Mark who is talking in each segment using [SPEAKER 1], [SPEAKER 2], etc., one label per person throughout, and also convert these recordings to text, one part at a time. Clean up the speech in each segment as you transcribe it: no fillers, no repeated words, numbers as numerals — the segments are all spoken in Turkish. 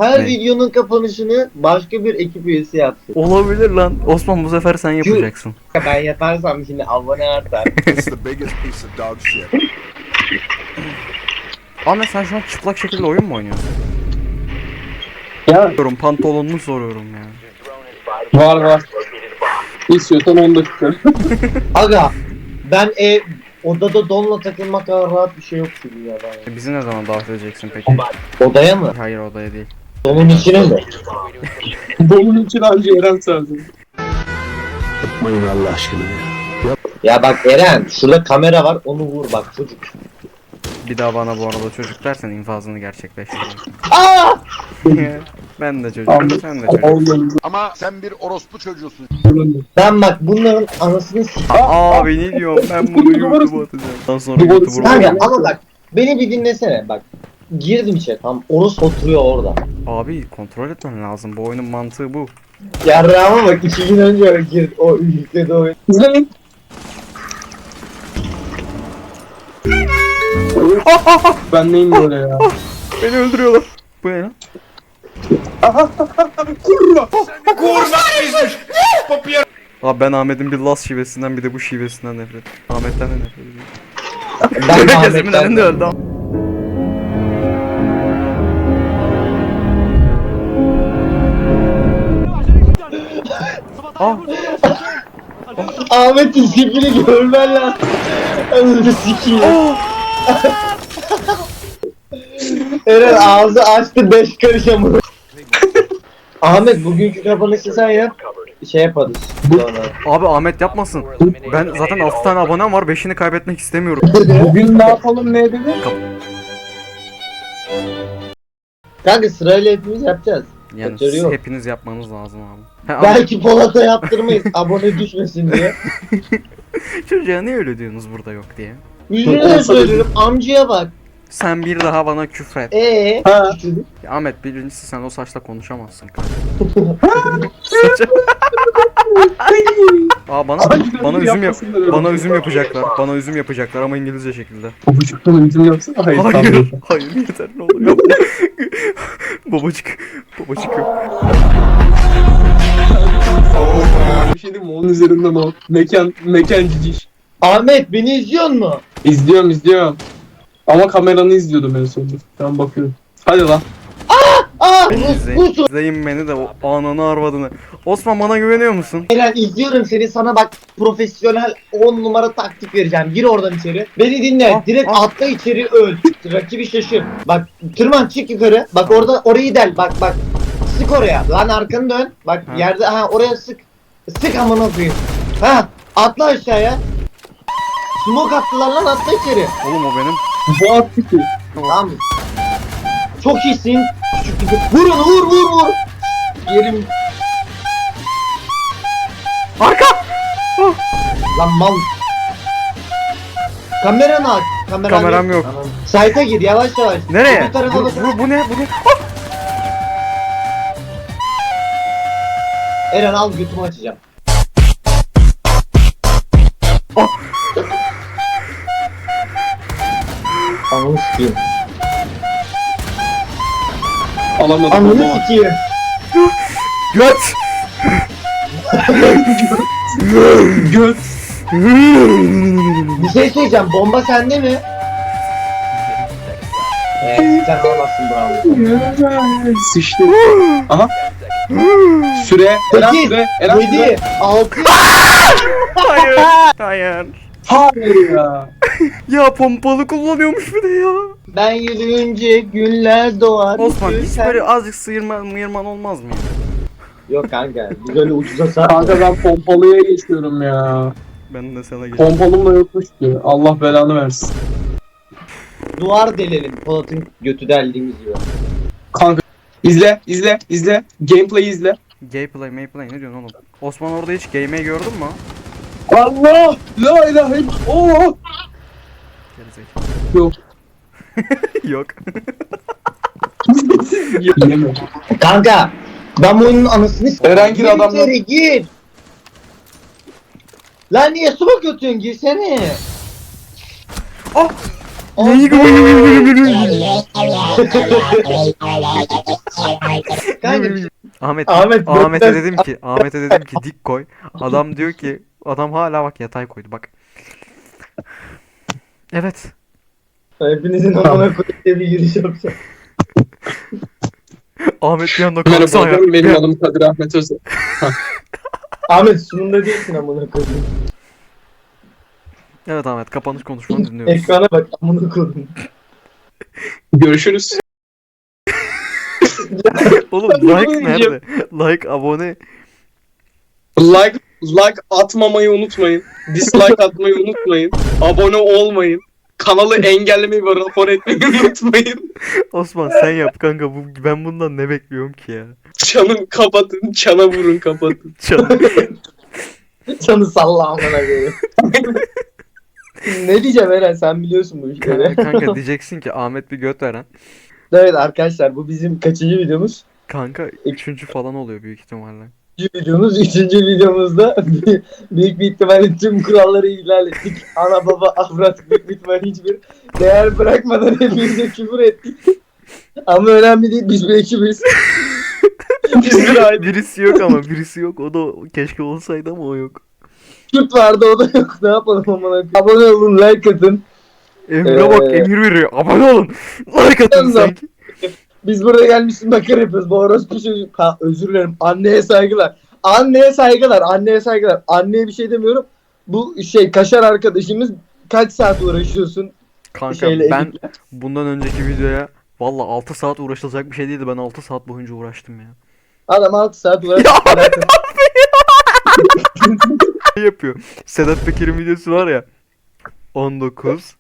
[SPEAKER 1] Her
[SPEAKER 2] Ne?
[SPEAKER 1] videonun kapanışını başka bir ekip üyesi yapsın.
[SPEAKER 2] Olabilir lan. Osman bu sefer sen yapacaksın.
[SPEAKER 1] Ben yaparsam şimdi abone artar.
[SPEAKER 3] It's the biggest piece of dog shit.
[SPEAKER 2] Ahmet sen şu an çıplak şekilde oyun mu oynuyorsun?
[SPEAKER 4] Ya
[SPEAKER 2] Soruyorum, pantolonunu soruyorum ya.
[SPEAKER 4] var. İstiyorsan 10 dakika.
[SPEAKER 1] Aga ben odada donla takılmak kadar rahat bir şey yok şu dünyada.
[SPEAKER 2] Bizi ne zaman davet edeceksin peki?
[SPEAKER 1] Odaya mı?
[SPEAKER 2] Hayır, odaya değil.
[SPEAKER 1] Donun içine mi?
[SPEAKER 4] Bunun için anca Eren sensin.
[SPEAKER 3] Yapmayın Allah aşkına ya.
[SPEAKER 1] Ya bak Eren şurada kamera var onu vur bak çocuk.
[SPEAKER 2] Bir daha bana bu arada çocuk dersen infazını gerçekleştiririm.
[SPEAKER 1] Aa!
[SPEAKER 2] Ben de çocuğum, sen de çocuk.
[SPEAKER 4] Olmadı.
[SPEAKER 3] Ama sen bir orospu çocuğusun.
[SPEAKER 1] Ben bak bunların anasını s***.
[SPEAKER 2] Abi ne diyorum, ben bunu YouTube'a atacağım. Ondan sonra YouTube'a
[SPEAKER 1] Kanka
[SPEAKER 2] atacağım.
[SPEAKER 1] ama bak beni bir dinlesene bak. Girdim içe tam orası oturuyor orada.
[SPEAKER 2] Abi kontrol etmen lazım, bu oyunun mantığı bu.
[SPEAKER 1] Yarrağıma bak 2 gün önce girdi o yükledi oyun.
[SPEAKER 4] İzleyin. Ben neyim böyle ya?
[SPEAKER 2] Beni öldürüyorlar. Bu ne lan?
[SPEAKER 4] Kurma!
[SPEAKER 2] Abi ben Ahmet'in bir Las şivesinden bir de bu şivesinden nefret. Ahmet'ten de nefret ediyorum.
[SPEAKER 1] Ben de
[SPEAKER 2] Gözümün
[SPEAKER 1] Ahmet'ten-
[SPEAKER 2] önünde öldü. Ah,
[SPEAKER 1] Ahmet'in sipini görmen lazım. Anasını sikiyim. Eren ağzı açtı 5 karış amına. Ahmet bugünkü kapanışı sen yap. Şey yaparız sonra.
[SPEAKER 2] abi Ahmet yapmasın. Ben zaten 6 tane abonem var, 5'ini kaybetmek istemiyorum.
[SPEAKER 4] Bugün ne yapalım ne edelim?
[SPEAKER 1] Kanka sırayla hepimiz yapacağız.
[SPEAKER 2] Yani
[SPEAKER 1] Kaçarı yok.
[SPEAKER 2] hepiniz yapmanız lazım abi. He,
[SPEAKER 1] Belki Polat'a yaptırmayız abone düşmesin diye.
[SPEAKER 2] çocuğa niye öyle diyorsunuz burada yok diye.
[SPEAKER 1] Yüzüne söylüyorum amcaya bak.
[SPEAKER 2] Sen bir daha bana küfret.
[SPEAKER 4] Ha.
[SPEAKER 2] Ya Ahmet, birincisi sen o saçla konuşamazsın. Aa bana üzüm bana üzüm yapacaklar. Bana üzüm yapacaklar ama İngilizce şekilde.
[SPEAKER 4] Babacıktan üzüm yapsana. Hayır.
[SPEAKER 2] Hayır, hayır yeter ne olur yapma. Babacık yok.
[SPEAKER 4] Bir şey diyeyim mi? Onun üzerinden o. Mekan ciciş.
[SPEAKER 1] Ahmet beni izliyor mu?
[SPEAKER 4] İzliyorum. Ama kameranı izliyordum en sonunda. Ben bakıyorum. Hadi lan.
[SPEAKER 2] Beni
[SPEAKER 1] bu
[SPEAKER 2] izleyin beni de o ananı arvadını. Osman bana güveniyor musun?
[SPEAKER 1] Eren izliyorum seni sana bak profesyonel 10 numara taktik vereceğim. Gir oradan içeri. Beni dinle. Direkt atla içeri öl. Rakibi şaşır. Bak tırman çık yukarı. Bak orada orayı del. Bak. Sık oraya. Lan arkanı dön. Bak
[SPEAKER 2] Ha.
[SPEAKER 1] yerde oraya sık. Sık amına koyayım. Atla aşağıya. Smoke attılar lan atla içeri.
[SPEAKER 2] Oğlum o benim.
[SPEAKER 4] Bu attı ki.
[SPEAKER 1] Tamam mı? Çok iyisin. Küçük gibi. Vur onu vur. Yerim.
[SPEAKER 2] Arka!
[SPEAKER 1] Lan mal. Kameranı aç.
[SPEAKER 2] Kameram yok.
[SPEAKER 1] Tamam. Site'a gir yavaş.
[SPEAKER 2] Nereye?
[SPEAKER 1] Bir tarafa bak.
[SPEAKER 2] Bu ne?
[SPEAKER 1] Eren al götümü açacağım.
[SPEAKER 2] Oh.
[SPEAKER 1] Ananı sikeyim.
[SPEAKER 4] Alamadım.
[SPEAKER 1] Ananı sikeyim.
[SPEAKER 2] Göt!
[SPEAKER 4] Göt.
[SPEAKER 1] Bir şey söyleyeceğim. Bomba sende mi? Sen alamazsın bravo.
[SPEAKER 4] Sıçtı. Aha. Süre. Eren
[SPEAKER 1] 8,
[SPEAKER 4] süre. Eren süre.
[SPEAKER 1] 7, 6.
[SPEAKER 2] Hayır. Hayır.
[SPEAKER 4] Hayır ya.
[SPEAKER 2] Ya pompalı kullanıyormuş bir de ya.
[SPEAKER 1] Ben yürüyünce güller doğar.
[SPEAKER 2] Osman hiç
[SPEAKER 1] Sen-
[SPEAKER 2] böyle azıcık sıyırman olmaz mı ya?
[SPEAKER 1] Yok kanka. Biz öyle ucuza satmıyoruz.
[SPEAKER 4] Kanka ben pompalıya geçiyorum ya.
[SPEAKER 2] Ben de sana geçeyim.
[SPEAKER 4] Pompalım da yokmuş ki. Allah belanı versin.
[SPEAKER 1] Duvar delelim. Polat'ın götü deldiğimiz gibi.
[SPEAKER 4] Kanka. İzle. Gameplay izle.
[SPEAKER 2] Gameplay ne diyorsun oğlum? Osman orada hiç game'e gördün mü?
[SPEAKER 4] Allah! La ilahe illallah!
[SPEAKER 2] Gerizekalı.
[SPEAKER 4] Yok.
[SPEAKER 2] Yok.
[SPEAKER 4] Yiyemem.
[SPEAKER 1] Kanka. Ben bu oyunun anasını s***.
[SPEAKER 4] Eren gir adamla.
[SPEAKER 1] içeri, gir. Lan niye su bakıyorsun? Girsene.
[SPEAKER 2] Ah!
[SPEAKER 1] Oh.
[SPEAKER 2] Neyi Ahmet'e dedim ki dik koy. Adam diyor ki adam hala bak yatay koydu bak. Evet.
[SPEAKER 1] Hepinizin amına koyduğu bir giriş yapacağım.
[SPEAKER 2] Ahmet bir anda
[SPEAKER 4] Merhaba
[SPEAKER 2] kalksana ya.
[SPEAKER 4] hocam, benim adım Kadir Ahmet Özel.
[SPEAKER 1] Ahmet sunumda değilsin amına koyayım.
[SPEAKER 2] Evet Ahmet kapanış konuşmanı dinliyoruz.
[SPEAKER 1] Ekrana bak amına koyayım.
[SPEAKER 4] Görüşürüz.
[SPEAKER 2] Oğlum like nerede? Like abone.
[SPEAKER 4] Like atmamayı unutmayın. Dislike atmayı unutmayın. Abone olmayın. Kanalı engellemeyi ve rapor etmeyi unutmayın.
[SPEAKER 2] Osman sen yap kanka ben bundan ne bekliyorum ki ya.
[SPEAKER 4] Çanı kapatın, çana vurun kapatın.
[SPEAKER 2] Canım.
[SPEAKER 1] Canı salla amına koyayım. Ne diyeceğim Eren, sen biliyorsun bu işleri.
[SPEAKER 2] Kanka diyeceksin ki Ahmet bir göt veren.
[SPEAKER 1] Evet arkadaşlar, bu bizim kaçıncı videomuz?
[SPEAKER 2] Kanka 3. falan oluyor büyük ihtimalle.
[SPEAKER 1] Üçüncü videomuzda büyük bir ihtimalle tüm kuralları ihlal ettik. Ana baba avrat büyük bir ihtimalle hiçbir değer bırakmadan hepimize küfür ettik. Ama önemli değil, biz bir ekibiz. Biz bir aile.
[SPEAKER 2] Birisi yok ama birisi yok. O da keşke olsaydı ama o yok.
[SPEAKER 1] Kürt vardı, o da yok. Ne yapalım amına? Abone olun, like atın.
[SPEAKER 2] Emre bak emir veriyor. Abone olun. Like atın
[SPEAKER 1] Yalnız-
[SPEAKER 2] sanki.
[SPEAKER 1] Biz burada gelmişiz makara yapıyoruz. Bu orospu çocuk. Ha, özür dilerim. Anneye saygılar. Anneye saygılar. Anneye saygılar. Anneye bir şey demiyorum. Bu Kaşar arkadaşımız kaç saat uğraşıyorsun
[SPEAKER 2] Kanka
[SPEAKER 1] şeyle,
[SPEAKER 2] ben
[SPEAKER 1] editle?
[SPEAKER 2] bundan önceki videoya valla 6 saat uğraşılacak bir şey değildi. Ben 6 saat boyunca uğraştım ya.
[SPEAKER 1] Adam 6 saat uğraşıyor.
[SPEAKER 2] Ne yapıyor? Sedat Peker'in videosu var ya. 19.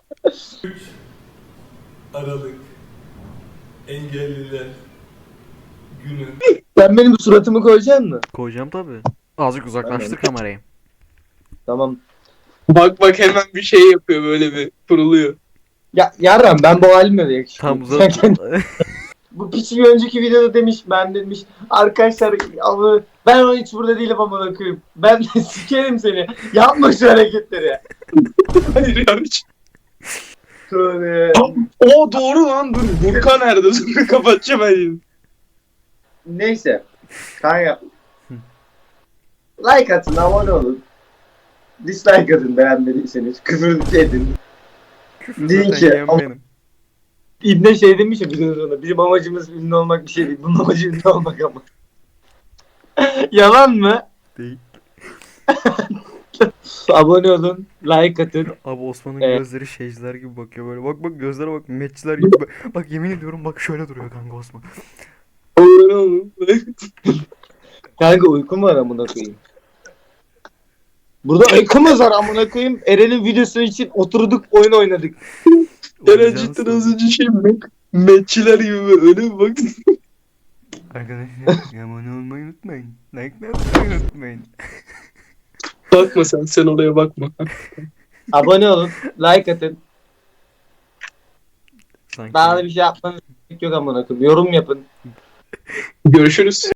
[SPEAKER 5] Aralık Engelliler Günü.
[SPEAKER 1] Sen benim suratımı koyacaksın mı?
[SPEAKER 2] Koyacağım tabi. Azıcık uzaklaştır kamerayı.
[SPEAKER 1] Tamam.
[SPEAKER 4] Bak hemen bir şey yapıyor, böyle bir kuruluyor.
[SPEAKER 1] Ya yarram, ben bu halimle de yakışıklı.
[SPEAKER 2] Tam
[SPEAKER 1] Sen kendi- Bu piçi bir önceki videoda demiş, ben demiş arkadaşlar ama ben o hiç burada değilim amına koyayım. Ben de sikerim seni. Yapma şu hareketleri.
[SPEAKER 4] Hayır ya hiç.
[SPEAKER 1] Tövbe.
[SPEAKER 4] O doğru lan, dur. Burka nerede? Dur kapatacağım ben şimdi.
[SPEAKER 1] Neyse. Kanka. Like atın, abone olun. Dislike atın beğenmediyseniz. Küfür edin. Deyin
[SPEAKER 2] Zaten
[SPEAKER 1] ki
[SPEAKER 2] yiyen benim.
[SPEAKER 1] İbne şey demiş ya videonun sonunda. Bizim amacımız ünlü olmak bir şey değil. Bunun amacı ünlü olmak ama. Yalan mı?
[SPEAKER 2] Değil.
[SPEAKER 1] Abone olun. Like atın.
[SPEAKER 2] Abi Osman'ın
[SPEAKER 1] Evet.
[SPEAKER 2] gözleri şeyciler gibi bakıyor böyle. Bak bak gözlere bak metçiler gibi. Bak yemin ediyorum bak şöyle duruyor kanka Osman.
[SPEAKER 1] Kanka uykum var amına koyayım. Burada uykumuz var amına koyayım. Eren'in videosu için oturduk, oyun oynadık.
[SPEAKER 4] Eren
[SPEAKER 2] Uyuyacağız
[SPEAKER 4] cidden
[SPEAKER 2] tabii.
[SPEAKER 4] az önce metçiler gibi öyle bir bak.
[SPEAKER 2] Arkadaşlar abone olmayı unutmayın. Like yapmayı unutmayın.
[SPEAKER 4] Bakma sen oraya bakma.
[SPEAKER 1] Abone olun. Like atın.
[SPEAKER 2] Sanki.
[SPEAKER 1] Daha da bir şey yapmanız gerek yok amına koyayım. Yorum yapın.
[SPEAKER 4] Görüşürüz.